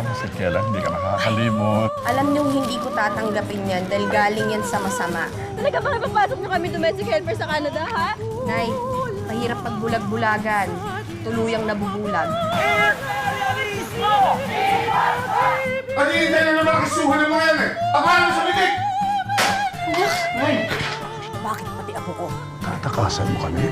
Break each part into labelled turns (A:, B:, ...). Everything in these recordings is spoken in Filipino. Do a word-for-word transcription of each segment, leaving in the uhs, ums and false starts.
A: Si Kela, hindi ka nakakalimot.
B: Alam niyong hindi ko tatanggapin yan dahil galing yan sa masama.
C: Talaga ba papasok niyo kami domestic helper sa Canada, ha?
B: Nay, mahirap pagbulag-bulagan. Tuluyang nabubulag.
D: Pag-iintay na naman ang kasuhan ng mga yan eh! Tamaan mo sa bitik!
E: Bakit pati ako ko?
A: Tatakasan mo kami?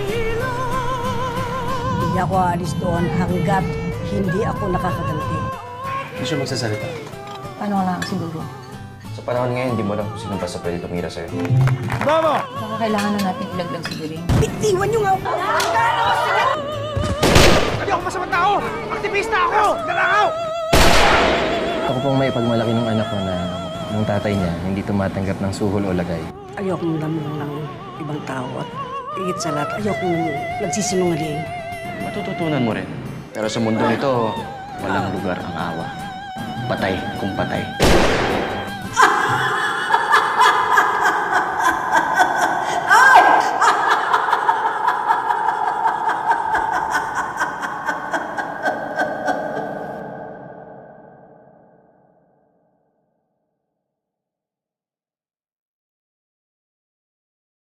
E: Hindi ako aalis doon hanggat hindi ako nakakaganti.
F: Hindi siya magsasalita.
E: Paano lang siguro?
F: Sa panahon ngayon, hindi mo alam kung sino pa sa pwede tumira sa'yo.
E: Baka kailangan na natin ilaglag si Biring. Bitiwan niyo nga ako!
G: Hindi ako masamang tao! Aktivista ako! Nalangaw!
F: Ako pong may pagmalaki ng anak ko na ng tatay niya hindi tumatanggap ng suhol o lagay.
E: Ayokong lamang ng ibang tao at higit sa lahat, ayokong nagsisinungaling.
F: Matututunan mo rin. Pero sa mundo nito, walang lugar ang awa. Patay kung patay.